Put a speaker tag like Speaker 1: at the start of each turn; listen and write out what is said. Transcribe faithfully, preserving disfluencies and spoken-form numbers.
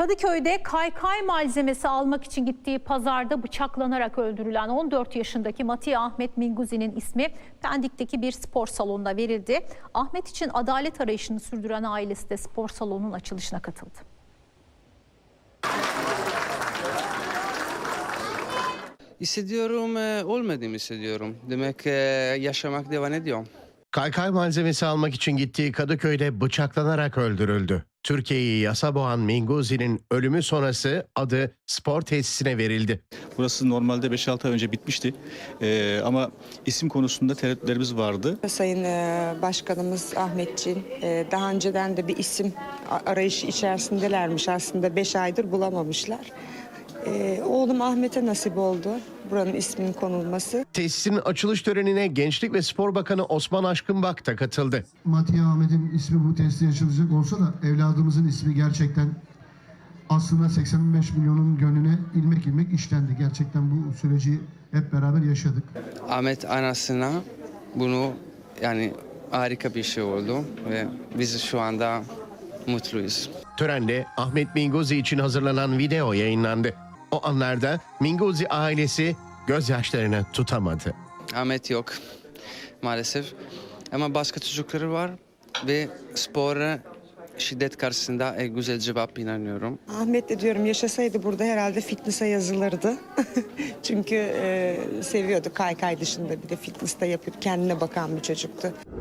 Speaker 1: Kadıköy'de kaykay malzemesi almak için gittiği pazarda bıçaklanarak öldürülen on dört yaşındaki Matiye Ahmet Minguzi'nin ismi Pendik'teki bir spor salonuna verildi. Ahmet için adalet arayışını sürdüren ailesi de spor salonunun açılışına katıldı.
Speaker 2: Hissediyorum, olmadığımı hissediyorum. Demek yaşamak devam ediyor.
Speaker 3: Kaykay malzemesi almak için gittiği Kadıköy'de bıçaklanarak öldürüldü. Türkiye'yi yasa boğan Minguzi'nin ölümü sonrası adı spor tesisine verildi.
Speaker 4: Burası normalde beş altı ay önce bitmişti ee, ama isim konusunda tereddütlerimiz vardı.
Speaker 5: Sayın Başkanımız Ahmetciğin daha önceden de bir isim arayışı içerisindelermiş, aslında beş aydır bulamamışlar. Ee, oğlum Ahmet'e nasip oldu buranın isminin konulması.
Speaker 3: Tesisin açılış törenine Gençlik ve Spor Bakanı Osman Aşkınbak da katıldı.
Speaker 6: Matiye Ahmet'in ismi bu tesiste açılacak olsa da evladımızın ismi gerçekten aslında seksen beş milyonun gönlüne ilmek ilmek işlendi. Gerçekten bu süreci hep beraber yaşadık.
Speaker 2: Ahmet anasına bunu yani harika bir şey oldu ve biz şu anda mutluyuz.
Speaker 3: Törende Ahmet Minguzi için hazırlanan video yayınlandı. O anlarda Minguzi ailesi gözyaşlarını tutamadı.
Speaker 2: Ahmet yok maalesef ama başka çocukları var ve spora şiddet karşısında en güzel cevap inanıyorum.
Speaker 5: Ahmet de diyorum yaşasaydı burada herhalde fitness'a yazılırdı. Çünkü e, seviyordu kaykay dışında bir de fitness'ta yapıp kendine bakan bir çocuktu.